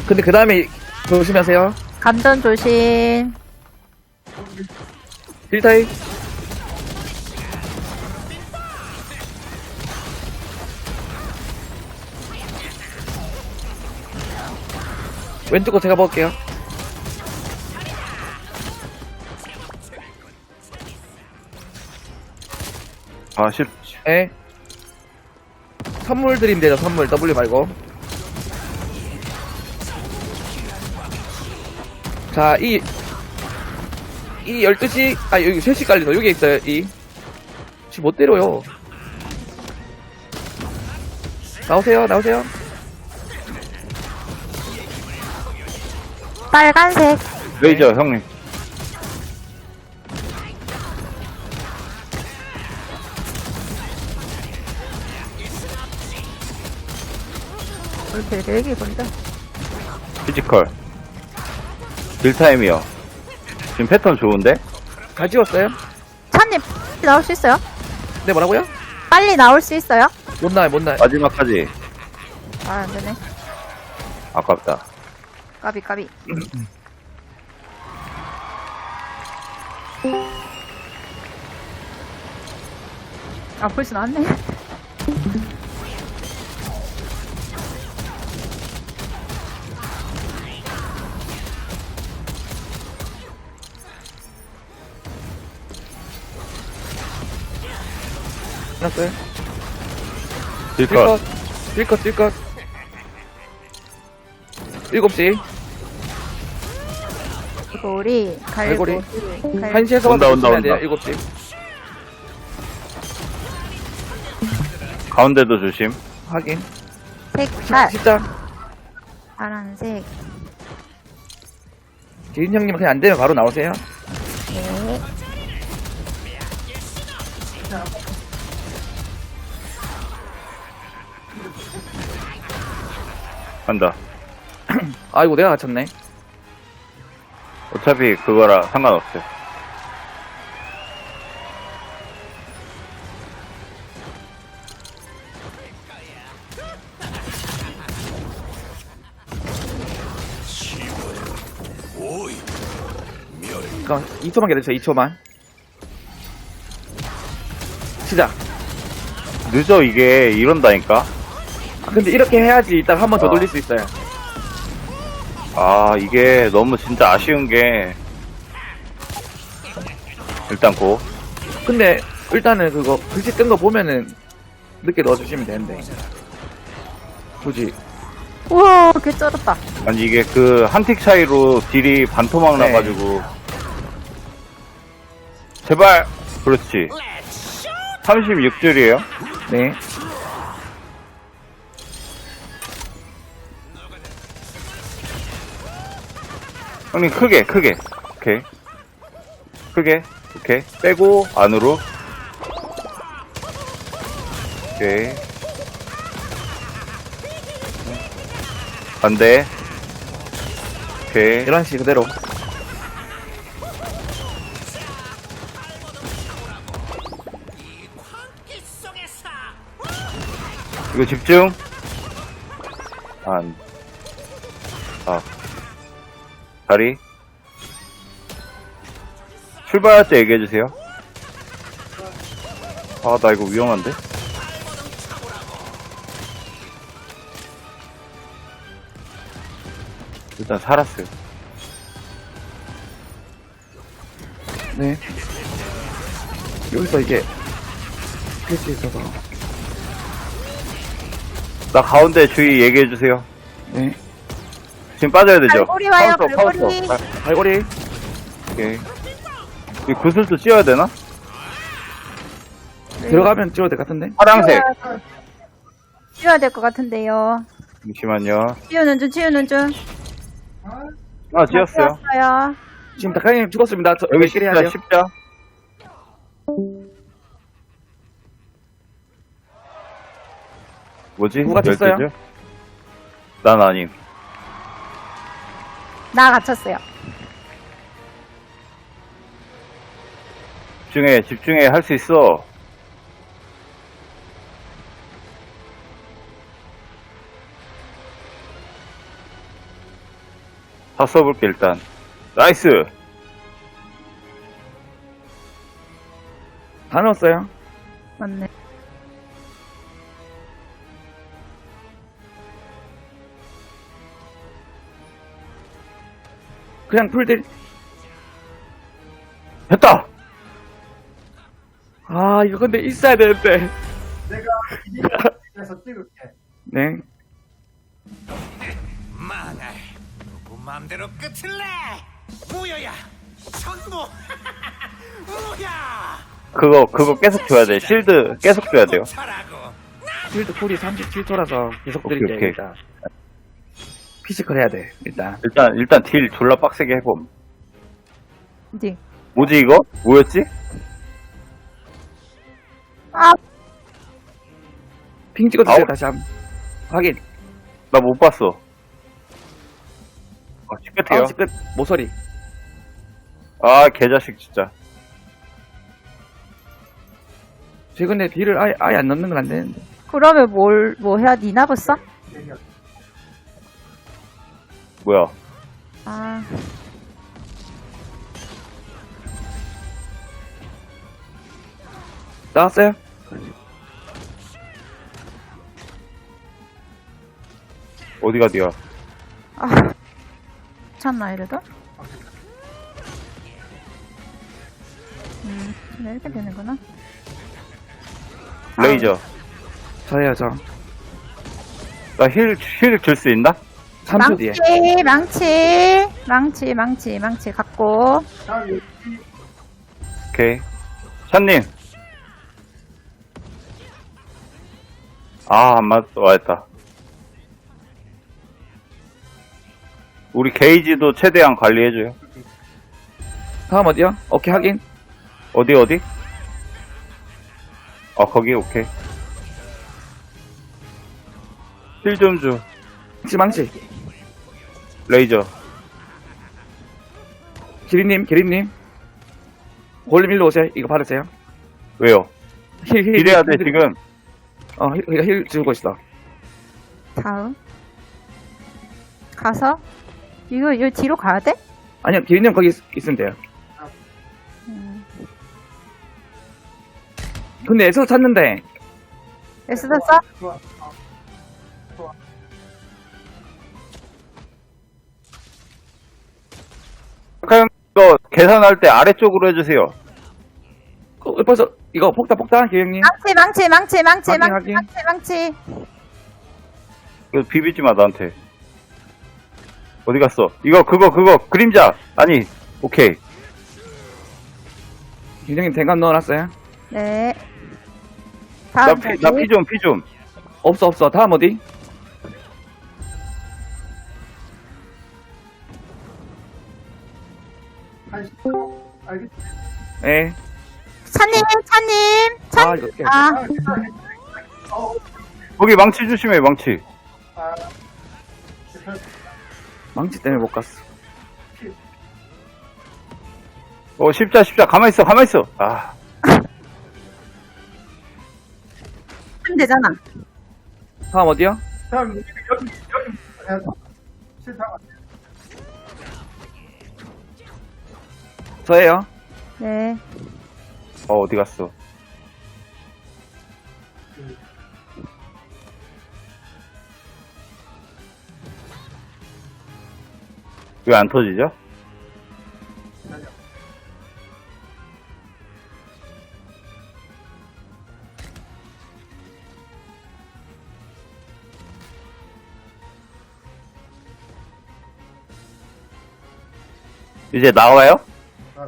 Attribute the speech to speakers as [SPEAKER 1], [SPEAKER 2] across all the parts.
[SPEAKER 1] 근데 그 다음에 조심하세요.
[SPEAKER 2] 감전 조심.
[SPEAKER 1] 딜타이. 왼쪽 거 제가 먹을게요.
[SPEAKER 3] 아, 싫.
[SPEAKER 1] 예. 선물 드리면 되죠, 선물. W 말고. 자, 이 12시, 여기 3시 깔리노. 여기 있어요, 지금 못 때려요. 나오세요, 나오세요.
[SPEAKER 2] 빨간색.
[SPEAKER 3] 레이저, 형님.
[SPEAKER 2] 왜 이렇게 얘기 건데?
[SPEAKER 3] 피지컬. 딜타임이요. 지금 패턴 좋은데?
[SPEAKER 1] 잘 찍었어요?
[SPEAKER 2] 찬님, 나올 수 있어요?
[SPEAKER 1] 네, 뭐라고요?
[SPEAKER 2] 빨리 나올 수 있어요?
[SPEAKER 1] 못 나요, 못 나요.
[SPEAKER 3] 마지막까지.
[SPEAKER 2] 아, 안 되네.
[SPEAKER 3] 아깝다.
[SPEAKER 2] 까비, 까비. 아, 벌써 나왔네.
[SPEAKER 1] 끝났어요?
[SPEAKER 3] 딜컷.
[SPEAKER 1] 딜컷. 7시.
[SPEAKER 2] 갈고리,
[SPEAKER 1] 갈고리.
[SPEAKER 2] 갈고리.
[SPEAKER 1] 1시에서
[SPEAKER 3] 온다.
[SPEAKER 1] 돼요, 7시.
[SPEAKER 3] 가운데도 조심.
[SPEAKER 1] 확인.
[SPEAKER 2] 색깔,
[SPEAKER 1] 진짜.
[SPEAKER 2] 파란색.
[SPEAKER 1] 기린 형님 그냥 안 되면 바로 나오세요.
[SPEAKER 2] 네.
[SPEAKER 3] 간다.
[SPEAKER 1] 아이고, 내가 갇혔네.
[SPEAKER 3] 어차피 그거라 상관없어요.
[SPEAKER 1] 잠깐만, 2초만 기다려주세요, 2초만. 시작.
[SPEAKER 3] 늦어, 이게. 이런다니까?
[SPEAKER 1] 근데 이렇게 해야지 이따가 한 번 더 돌릴 수 있어요.
[SPEAKER 3] 아, 이게 너무 진짜 아쉬운 게. 일단 고.
[SPEAKER 1] 근데 일단은 그거 글씨 뜬 거 보면은 늦게 넣어주시면 되는데. 굳이.
[SPEAKER 2] 우와, 개 쩔었다.
[SPEAKER 3] 아니, 이게 그 한 틱 차이로 딜이 반토막
[SPEAKER 1] 네.
[SPEAKER 3] 나가지고. 제발! 그렇지. 36줄이에요?
[SPEAKER 1] 네.
[SPEAKER 3] 형님, 크게. 오케이. 오케이. 빼고, 안으로. 오케이. 반대. 오케이.
[SPEAKER 1] 11시 그대로.
[SPEAKER 3] 이거 집중. 다리. 출발할 때 얘기해주세요. 아, 나 이거 위험한데? 일단 살았어요.
[SPEAKER 1] 네. 여기서 이게 글씨 있어서.
[SPEAKER 3] 나 가운데 주의 얘기해주세요.
[SPEAKER 1] 네.
[SPEAKER 3] 지금 빠져야 되죠?
[SPEAKER 2] 갈고리 와요,
[SPEAKER 3] 카운터.
[SPEAKER 2] 갈고리.
[SPEAKER 1] 갈고리.
[SPEAKER 3] 오케이. 이 구슬도 씌워야 되나?
[SPEAKER 1] 들어가면 찍어야 될 것 같은데.
[SPEAKER 3] 파랑색.
[SPEAKER 2] 치워야 될 것 같은데요.
[SPEAKER 3] 잠시만요.
[SPEAKER 2] 치우는 중.
[SPEAKER 3] 아, 지었어요.
[SPEAKER 2] 치웠어요.
[SPEAKER 1] 지금 닭강님 죽었습니다.
[SPEAKER 3] 여기
[SPEAKER 1] 몇 킬 해야 돼요?
[SPEAKER 3] 십자. 뭐지?
[SPEAKER 1] 누가 됐어요?
[SPEAKER 3] 12줄? 난 아님.
[SPEAKER 2] 나 갇혔어요.
[SPEAKER 3] 집중해. 할 수 있어. 다 써볼게, 일단. 나이스!
[SPEAKER 1] 다 넣었어요.
[SPEAKER 2] 맞네.
[SPEAKER 1] 그냥 풀딜.
[SPEAKER 3] 됐다!
[SPEAKER 1] 아, 이거 근데 있어야 되는데.
[SPEAKER 4] 내가 이에서 찍을게.
[SPEAKER 1] 네.
[SPEAKER 5] 망할 누구 맘대로 끝을 내 무효야 전부 무효야
[SPEAKER 3] 그거 계속 줘야 돼. 실드 계속 줘야 돼요.
[SPEAKER 5] 잘하고
[SPEAKER 1] 필드 쿨이 37초라서 계속
[SPEAKER 3] 오케이,
[SPEAKER 1] 드릴게요,
[SPEAKER 3] 오케이.
[SPEAKER 1] 일단. 피지컬 해야 돼, 일단.
[SPEAKER 3] 일단 딜 졸라 빡세게 해봄.
[SPEAKER 2] 어디?
[SPEAKER 3] 뭐지, 이거? 뭐였지?
[SPEAKER 2] 아,
[SPEAKER 1] 핑 찍어주세요,
[SPEAKER 3] 아우.
[SPEAKER 1] 다시 한 번. 확인.
[SPEAKER 3] 나 못 봤어. 아, 시끄태요.
[SPEAKER 1] 아웃 끝, 모서리.
[SPEAKER 3] 아, 개자식, 진짜.
[SPEAKER 1] 최근에 딜을 아예 안 넣는 건 안 되는데.
[SPEAKER 2] 그러면 뭐 해야 니나 벌써?
[SPEAKER 3] 뭐야.
[SPEAKER 2] 아,
[SPEAKER 1] 나왔어요?
[SPEAKER 3] 어디가 뒤야?
[SPEAKER 2] 아. 괜찮나, 이래도? 이렇게 되는구나.
[SPEAKER 3] 레이저.
[SPEAKER 1] 저예요, 저.
[SPEAKER 3] 나 힐 줄 수 있나?
[SPEAKER 1] 3초 뒤에.
[SPEAKER 2] 망치 갖고.
[SPEAKER 4] 다음
[SPEAKER 3] 오케이. 샷님. 아, 안 맞았어. 와했다. 우리 게이지도 최대한 관리해줘요.
[SPEAKER 1] 다음 어디요? 오케이, 확인.
[SPEAKER 3] 어디? 아, 거기, 오케이. 힐 좀 줘.
[SPEAKER 1] 망치.
[SPEAKER 3] 레이저.
[SPEAKER 1] 기린님. 골림 일로 오세요. 이거 받으세요.
[SPEAKER 3] 왜요?
[SPEAKER 1] 힐.
[SPEAKER 3] 딜해야 돼, 지금.
[SPEAKER 1] 힐 주고 있어.
[SPEAKER 2] 다음. 가서. 이거 뒤로 가야 돼?
[SPEAKER 1] 아니요, 기린님 거기 있으면 돼요. 근데 에서 찾는데,
[SPEAKER 2] 에스 샀어?
[SPEAKER 4] 좋아.
[SPEAKER 3] 그럼 이거 계산할 때 아래쪽으로 해주세요.
[SPEAKER 1] 벌써, 이거 폭탄, 기린님. 확인.
[SPEAKER 2] 망치.
[SPEAKER 3] 이거 비비지 마, 나한테. 어디 갔어? 이거, 그거, 그림자! 아니, 오케이.
[SPEAKER 1] 기린님 댕감 넣어놨어요?
[SPEAKER 2] 네.
[SPEAKER 3] 나
[SPEAKER 2] 다음
[SPEAKER 3] 피 좀.
[SPEAKER 1] 없어. 다음 어디?
[SPEAKER 4] 한 알겠지?
[SPEAKER 1] 예.
[SPEAKER 2] 차님.
[SPEAKER 1] 아, 이거 깨.
[SPEAKER 2] 아,
[SPEAKER 3] 거기 망치 조심해, 망치.
[SPEAKER 4] 아,
[SPEAKER 1] 망치 때문에 못 갔어.
[SPEAKER 3] 십자. 가만있어. 아,
[SPEAKER 2] 하면 되잖아.
[SPEAKER 1] 다음 어디요?
[SPEAKER 4] 다음 여기 해야 돼. 싫다고.
[SPEAKER 1] 저예요.
[SPEAKER 2] 네.
[SPEAKER 3] 어디 갔어? 왜 안 터지죠? 이제 나와요?
[SPEAKER 4] 아,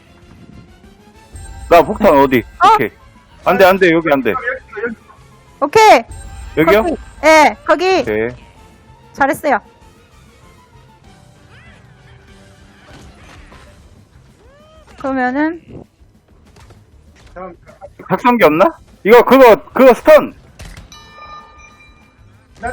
[SPEAKER 3] 나 폭탄 어디? 오케이. 안 돼, 여기 안 돼.
[SPEAKER 4] 여기.
[SPEAKER 2] 오케이.
[SPEAKER 3] 여기요?
[SPEAKER 2] 거기. 예, 거기.
[SPEAKER 3] 오케이.
[SPEAKER 2] 잘했어요. 그러면은
[SPEAKER 4] 다음
[SPEAKER 3] 각성기 없나? 그거 스턴!
[SPEAKER 4] 나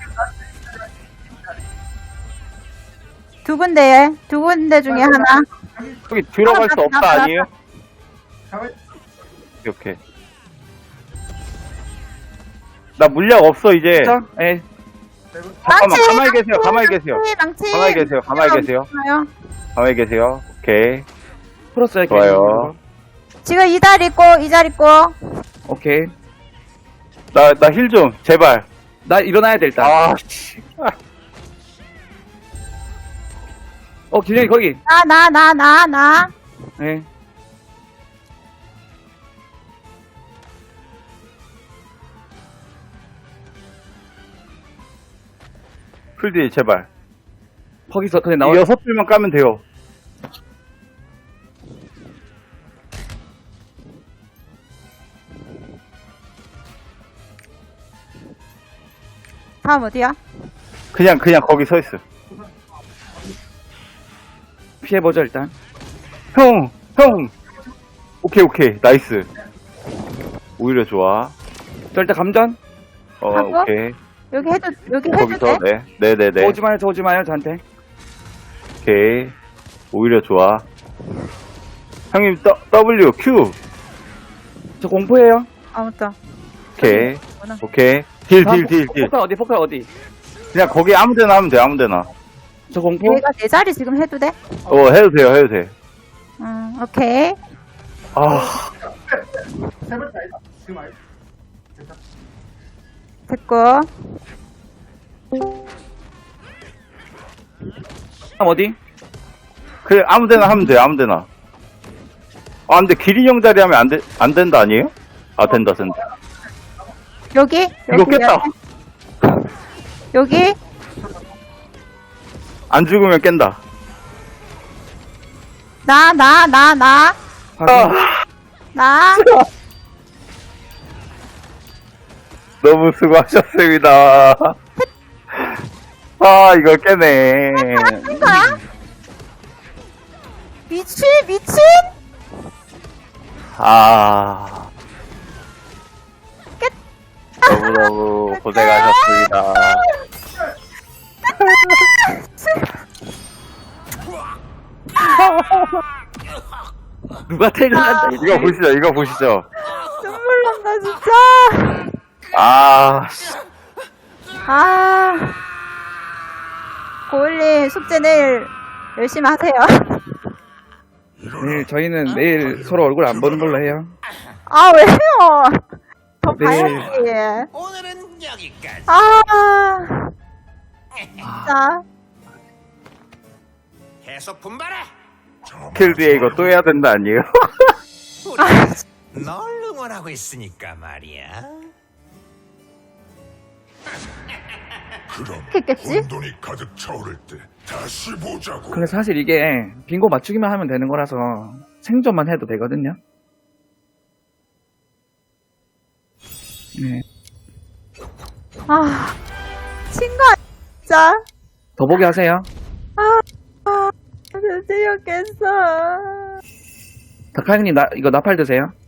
[SPEAKER 2] 두 군데 중에 하나.
[SPEAKER 3] 여기 들어갈 수 없다,
[SPEAKER 2] 나가.
[SPEAKER 3] 아니에요?
[SPEAKER 4] 가만
[SPEAKER 3] 오케이. 나 물약 없어, 이제.
[SPEAKER 1] 그쵸? 예.
[SPEAKER 3] 잠깐만, 가만히 계세요, 가만히 계세요.
[SPEAKER 2] 망치.
[SPEAKER 3] 가만히 계세요, 가만히 계세요.
[SPEAKER 2] 좋아요.
[SPEAKER 3] 가만히 계세요. 오케이.
[SPEAKER 1] 풀었어요.
[SPEAKER 3] 좋아요.
[SPEAKER 2] 지금 이 자리 있고, 이 자리 있고.
[SPEAKER 1] 오케이.
[SPEAKER 3] 나 힐 좀, 제발.
[SPEAKER 1] 나 일어나야 돼 일단.
[SPEAKER 3] 아, 씨.
[SPEAKER 1] 균형이 거기.
[SPEAKER 2] 나.
[SPEAKER 1] 네.
[SPEAKER 3] 풀디, 제발.
[SPEAKER 1] 거기서 그냥
[SPEAKER 3] 이
[SPEAKER 1] 나와.
[SPEAKER 3] 6줄만 까면 돼요.
[SPEAKER 2] 다음 어디야?
[SPEAKER 3] 그냥 거기 서 있어.
[SPEAKER 1] 피해보죠 일단.
[SPEAKER 3] 형! 오케이, 나이스. 오히려 좋아.
[SPEAKER 1] 저 일단 감전.
[SPEAKER 2] 하고?
[SPEAKER 3] 오케이.
[SPEAKER 2] 여기 해도 돼?
[SPEAKER 3] 거기서, 네네네.
[SPEAKER 1] 오지 마요 저한테.
[SPEAKER 3] 오케이. 오히려 좋아. 형님, W, Q.
[SPEAKER 1] 저 공포예요.
[SPEAKER 2] 아무튼.
[SPEAKER 3] 오케이.
[SPEAKER 2] 뭐나.
[SPEAKER 3] 오케이. 딜.
[SPEAKER 1] 폭탄 어디?
[SPEAKER 3] 그냥 거기 아무 데나 하면 돼, 아무 데나.
[SPEAKER 1] 저 공포.
[SPEAKER 2] 얘가 내 자리 지금 해도 돼?
[SPEAKER 3] 해도 돼.
[SPEAKER 2] 오케이.
[SPEAKER 3] 아,
[SPEAKER 4] 세 번째 아니다. 지금 아니다. 됐다.
[SPEAKER 2] 됐고.
[SPEAKER 1] 다음 어디?
[SPEAKER 3] 그래, 아무 데나 하면 돼, 아무 데나. 아, 근데 기린형 자리 하면 안 된다, 아니에요? 아, 된다.
[SPEAKER 2] 여기?
[SPEAKER 3] 이거 깼다.
[SPEAKER 2] 여기?
[SPEAKER 3] 안 죽으면 깬다.
[SPEAKER 2] 나.
[SPEAKER 3] 너무 수고하셨습니다. 아, 이거 깨네.
[SPEAKER 2] 거야? 미친?
[SPEAKER 3] 아. 너무너무 고생하셨습니다.
[SPEAKER 1] 누가 퇴근한다.
[SPEAKER 3] 이거 보시죠.
[SPEAKER 2] 눈물 난다, 진짜.
[SPEAKER 3] 아,
[SPEAKER 2] 고일님, 숙제 내일 열심히 하세요.
[SPEAKER 1] 네, 저희는 내일 서로 얼굴 안 보는 걸로 해요.
[SPEAKER 2] 아, 왜요? 더
[SPEAKER 1] 네.
[SPEAKER 2] 봐야지.
[SPEAKER 5] 오늘은 여기까지.
[SPEAKER 2] 진짜.
[SPEAKER 5] 계속 분발해.
[SPEAKER 3] 킬 뒤에 이거 또 해야 된다, 아니에요?
[SPEAKER 5] 우리 널 응원하고 있으니까 말이야.
[SPEAKER 2] 했겠지?
[SPEAKER 6] 혼돈이 가득 차오를 때 다시 보자고.
[SPEAKER 1] 근데 사실 이게 빙고 맞추기만 하면 되는 거라서 생존만 해도 되거든요. 네.
[SPEAKER 2] 친구, 진짜.
[SPEAKER 1] 더보기 하세요.
[SPEAKER 2] 드디어 깼어.
[SPEAKER 1] 다카형님 이거 나팔 드세요.